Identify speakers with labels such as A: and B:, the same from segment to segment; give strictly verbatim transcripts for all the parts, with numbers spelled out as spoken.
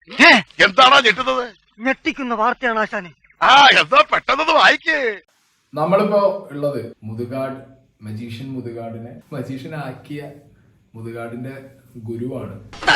A: എന്താണോ ഞെട്ടുന്നത്?
B: ഞെട്ടിക്കുന്ന വാർത്തയാണ് ആശാനെ.
A: ആ എന്താ പെട്ടെന്ന് വായിക്കേ.
C: നമ്മളിപ്പോ ഉള്ളത് മുതുകാട് മജീഷ്യൻ മുതുകാടിനെ മജീഷ്യൻ ആക്കിയ മുതുകാടിന്റെ ഗുരുവാണ്.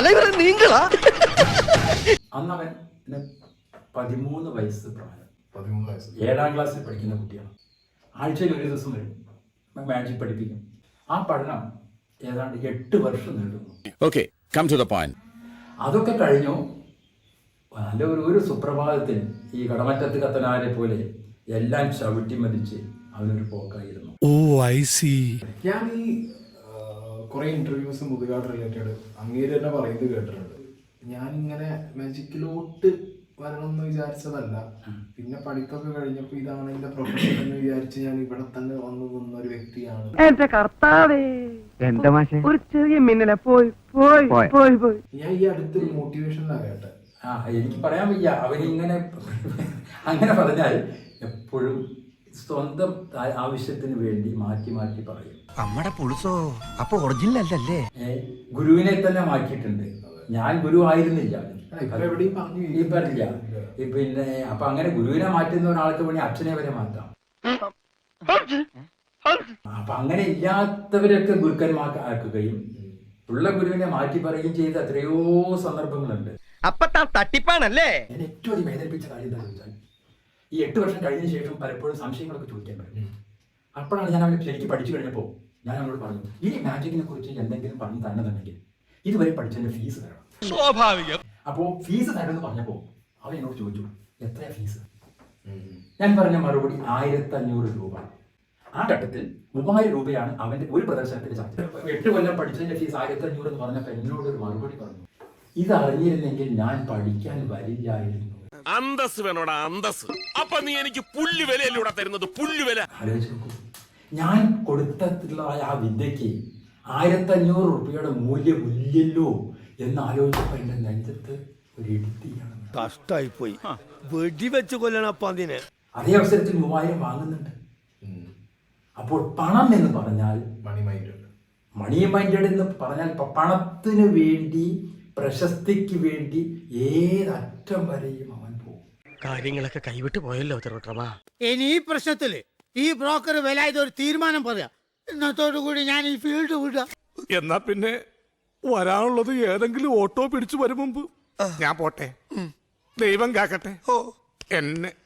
D: അന്നവൻ പതിമൂന്ന് വയസ്സ് പ്രായം,
C: പതിമൂന്ന് വയസ്സ്
D: ഏഴാം ക്ലാസ്സിൽ പഠിക്കുന്ന കുട്ടിയാണ്. ആഴ്ചയിൽ ഒരു ദിവസം വരും, മാജിക് പഠിപ്പിക്കും. ആ പഠനം ഏതാണ്ട് എട്ട് വർഷം നീണ്ടുന്നു.
E: Okay, come to the point.
D: അതൊക്കെ കഴിഞ്ഞു. നല്ല ഒരു ഒരു സുപ്രഭാതത്തിൽ ഈ കടമറ്റത്ത് കത്തനാരെ പോലെ എല്ലാം ചവിട്ടി മതിച്ച് അവനൊരു പോക്കായിരുന്നു.
E: ഓ ഐ സി.
C: ഞാൻ ഈ കുറെ ഇന്റർവ്യൂസ് മുതുകാട് റിലേറ്റഡ് അങ്ങേര് തന്നെ പറയുന്നത് കേട്ടിട്ടുണ്ട്. ഞാനിങ്ങനെ മാജിക്കിലോട്ട് വരണം എന്ന് വിചാരിച്ചതല്ല. പിന്നെ പഠിപ്പൊക്കെ കഴിഞ്ഞപ്പോ ഇതാണ് എന്റെ പ്രൊഫഷൻ എന്ന് വിചാരിച്ച് ഞാൻ ഇവിടെ തന്നെ വന്നു നിന്ന ഒരു വ്യക്തിയാണ്.
B: എന്റെ കർത്താവേ, എന്താ മാഷെ ഒരു ചെറിയ മിന്നല പോയി പോയി പോയി പോയി.
C: ഞാൻ ഈ അടുത്തൊരു മോട്ടിവേഷനിലാണ് കേട്ടെ.
D: ആ എനിക്ക് പറയാൻ വയ്യ. അവനിങ്ങനെ അങ്ങനെ പറഞ്ഞാൽ എപ്പോഴും സ്വന്തം ആവശ്യത്തിന് വേണ്ടി മാറ്റി മാറ്റി പറയും.
F: നമ്മുടെ പുളുസോ അപ്പൊ ഒറിജിനൽ അല്ലല്ലേ?
D: ഗുരുവിനെ തന്നെ മാറ്റിയിട്ടുണ്ട്. ഞാൻ ഗുരു ആയിരുന്നില്ല, ഈ പറഞ്ഞില്ല. പിന്നെ അപ്പൊ അങ്ങനെ ഗുരുവിനെ മാറ്റുന്ന ഒരാൾക്ക് വേണ്ടി അച്ഛനെ വരെ മാറ്റാം. അപ്പൊ അങ്ങനെ ഇല്ലാത്തവരൊക്കെ ഗുരുക്കന്മാർക്കാക്കുകയും ഉള്ള ഗുരുവിനെ മാറ്റി പറയുകയും ചെയ്ത എത്രയോ സന്ദർഭങ്ങളുണ്ട്.
F: അപ്പൊ താൻ തട്ടിപ്പാണല്ലേ?
D: എന്നെ ഏറ്റവും അധികം വേദനിപ്പിച്ച കാര്യം എന്താ ചോദിച്ചാൽ, ഈ എട്ട് വർഷം കഴിഞ്ഞ ശേഷം പലപ്പോഴും സംശയങ്ങളൊക്കെ ചോദിക്കാൻ പറ്റും. അപ്പോഴാണ് ഞാൻ അവനെ ശരിക്കും പഠിച്ചു കഴിഞ്ഞപ്പോൾ ഞാൻ അവനോട് പറഞ്ഞു, ഇനി മാജിക്കിനെ കുറിച്ച് എന്തെങ്കിലും പറഞ്ഞു തരണമെന്നുണ്ടെങ്കിൽ ഇതുവരെ പഠിച്ചതിന്റെ ഫീസ് തരണം.
E: സ്വാഭാവികം.
D: അപ്പോൾ ഫീസ് തരണമെന്ന് പറഞ്ഞപ്പോൾ അവൻ എന്നോട് ചോദിച്ചു, എത്രയാ ഫീസ്? ഞാൻ പറഞ്ഞ മറുപടി ആയിരത്തി അഞ്ഞൂറ് രൂപ. ആ ഘട്ടത്തിൽ മൂവായിരം രൂപയാണ് അവന്റെ ഒരു പ്രദർശനത്തിന്റെ ചാർജ്. എട്ട് കൊല്ലം പഠിച്ചതിന്റെ ഫീസ് ആയിരത്തി അഞ്ഞൂറ് എന്ന് പറഞ്ഞപ്പോൾ എന്നോട് ഒരു മറുപടി പറഞ്ഞു, ഇത് അറിഞ്ഞിരുന്നെങ്കിൽ ഞാൻ പഠിക്കാൻ വരില്ലായിരുന്നു.
E: അന്തസ് വേണോടാ അന്തസ്. അപ്പൊ നീ എനിക്ക് പുല്ല് വിലയല്ലൂടെ തരുന്നത്, പുല്ല് വില.
D: ആലോചിച്ച് നോക്കൂ, ഞാൻ കൊടുത്തിട്ടുള്ള ആ വിദ്യക്ക് ആയിരത്തി അഞ്ഞൂറ് റുപ്യയുടെ മൂല്യമില്ലല്ലോ എന്ന് ആലോചിച്ചപ്പോ എന്റെ നെഞ്ചത്ത് ഒരു ഇടുത്തിയാണ്.
F: കഷ്ടായി പോയി, വെടിവെച്ച് കൊല്ലണപ്പ അതിനെ.
D: അതേ അവസരത്തിൽ മൂവായിരം വാങ്ങുന്നുണ്ട്. അപ്പോൾ പണം എന്ന് പറഞ്ഞാൽ
C: മണി മൈൻഡ്
D: മണി മൈൻഡഡ് എന്ന് പറഞ്ഞാൽ പണത്തിന് വേണ്ടി, പ്രശസ്തിക്ക് വേണ്ടി ഏതറ്റം വരെയും അവൻ പോകും.
F: കാര്യങ്ങളൊക്കെ കൈവിട്ട് പോയല്ലോ തിരുവട്ടമാ.
G: ഇനി ഈ പ്രശ്നത്തില് ഈ ബ്രോക്കർ വിലായത് ഒരു തീരുമാനം പറയാം. ഇന്നത്തോടു കൂടി ഞാൻ ഈ ഫീൽഡ് വിടാം.
E: എന്നാ പിന്നെ വരാനുള്ളത് ഏതെങ്കിലും ഓട്ടോ പിടിച്ചു വരും മുമ്പ് ഞാൻ പോട്ടെ. ദൈവം കാക്കട്ടെ എന്നെ.